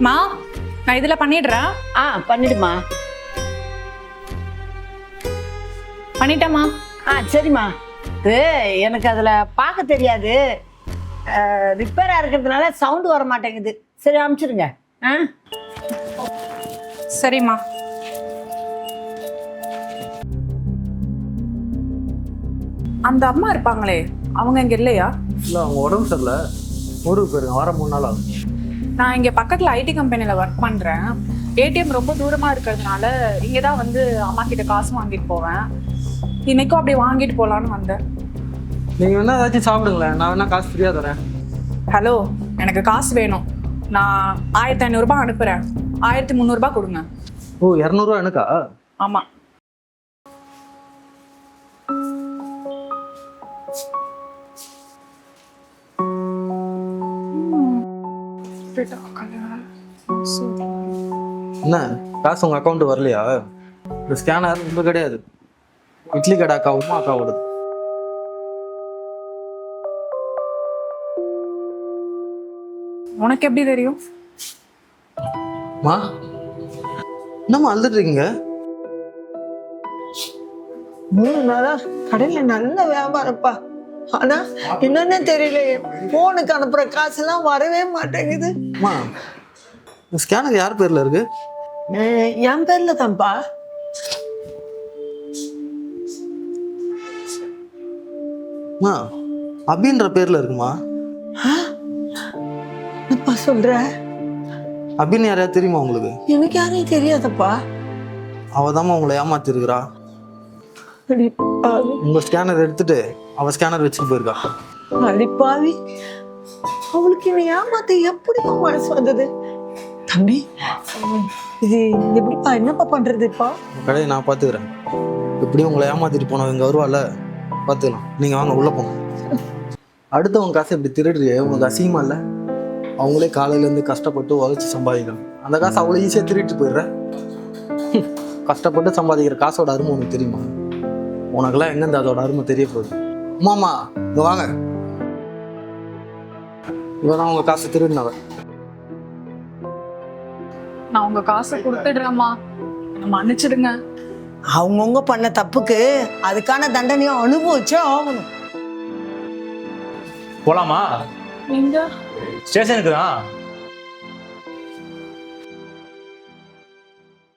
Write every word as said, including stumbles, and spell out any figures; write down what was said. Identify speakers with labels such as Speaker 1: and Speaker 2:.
Speaker 1: மா நான் இதுல பண்ணிடுறேன்.
Speaker 2: ஆ பண்ணிடுமா.
Speaker 1: பண்ணிட்டேம்மா.
Speaker 2: ஆ சரிம்மா. இது எனக்கு அதில் பார்க்க தெரியாது, ரிப்பேராக இருக்கிறதுனால சவுண்டு வர மாட்டேங்குது. சரி அனுப்பிச்சிடுங்க. ஆ
Speaker 1: சரிம்மா. அந்த அம்மா இருப்பாங்களே அவங்க இங்க இல்லையா?
Speaker 3: இல்லை அவங்க உடம்பு சரியில்லை, ஊருக்கு போயிருங்க, வர மூணு நாள் ஆகும்.
Speaker 1: நான் இங்க பக்கத்துல ஐடி கம்பெனில ஒர்க் பண்றேன். ஏடிஎம் ரொம்ப தூரமா இருக்கிறதுனால இங்க தான் வந்து அம்மா கிட்ட காசு வாங்கிட்டு போவேன். இன்னைக்கும் அப்படியே வாங்கிட்டு போலான்னு வந்தேன்.
Speaker 3: நீங்கள் வேணா ஏதாச்சும் சாப்பிடுங்களேன், நான் வேணா காசு ஃப்ரீயாக தரேன்.
Speaker 1: ஹலோ, எனக்கு காசு வேணும். நான் ஆயிரத்தி ஐநூறுரூபா அனுப்புறேன். ஆயிரத்தி முந்நூறுபா கொடுங்க.
Speaker 3: ஓ இரநூறுவா எனக்கா?
Speaker 1: ஆமா.
Speaker 3: என்ன காசு உங்கள் அக்கௌண்ட்டு வரலையா? இந்த ஸ்கேனர் ரொம்ப கிடையாது, இட்லி கடை அக்கா உமா அக்காவோடது.
Speaker 1: உனக்கு எப்படி தெரியும்?
Speaker 3: மா என்னம்மா அழுதுட்டு இருக்கீங்க?
Speaker 4: மூணு நாளா கடையில நல்ல வியாபாரப்பா. ஆனா என்னன்னு தெரியல, போனுக்கு அனுப்புற காசெல்லாம் வரவே மாட்டேங்குது.
Speaker 3: அம்மா இந்த ஸ்கேனர் யார் பேர்ல இருக்கு?
Speaker 4: அஹ் என் பேர்ல தான்ப்பா.
Speaker 3: அம்மா அபின்ற பேர்ல இருக்குமா?
Speaker 4: என்னப்பா சொல்ற?
Speaker 3: அபின்னு யாரையா தெரியுமா உங்களுக்கு?
Speaker 4: எனக்கு யாரையும் தெரியாதப்பா.
Speaker 3: அவ தாம்மா உங்களை ஏமாத்திருக்கிறா.
Speaker 4: அடிப்பாவி
Speaker 3: உங்க ஸ்கேனர் எடுத்துட்டு அவ ஸ்கேனர் வச்சுட்டு போயிருக்கா.
Speaker 4: அடிப்பாவி, அவளுக்கு என்ன ஏமாத்த எப்படிப்பா மனசு வந்தது? தம்பி இது எப்படிப்பா, என்னப்பா பண்றதுப்பா?
Speaker 3: உங்க கடையை நான் பாத்துக்கிறேன். எப்படியும் உங்களை ஏமாத்திட்டு போனவங்க இங்க வருவாள், பாத்துக்கலாம். நீங்க வாங்க உள்ள போங்க. அடுத்தவங்க காசை இப்படி திருடுறியே உங்களுக்கு அசிங்கமா இல்லை? அவங்களே காலையில இருந்து கஷ்டப்பட்டு உழைச்சி சம்பாதிக்கணும், அந்த காசை அவ்வளோ ஈஸியா திருட்டு போயிடுற. கஷ்டப்பட்டு சம்பாதிக்கிற காசோட அருமை உனக்கு தெரியுமா? உனக்கெல்லாம் எங்கேருந்து அதோட அருமை தெரிய போகுது? அம்மாமா இங்க வாங்க. இவதான் உங்க காசை திருடினவ.
Speaker 1: நான் உங்க காசை கொடுத்துடுறேம்மா, மன்னிச்சிடுங்க.
Speaker 4: அவங்கவுங்க பண்ண தப்புக்கு அதுக்கான தண்டனையும் அனுபவிச்சே ஆகணும்.
Speaker 5: போலாமா?
Speaker 1: நீங்க
Speaker 5: ஸ்டேஷனுக்கு தான்.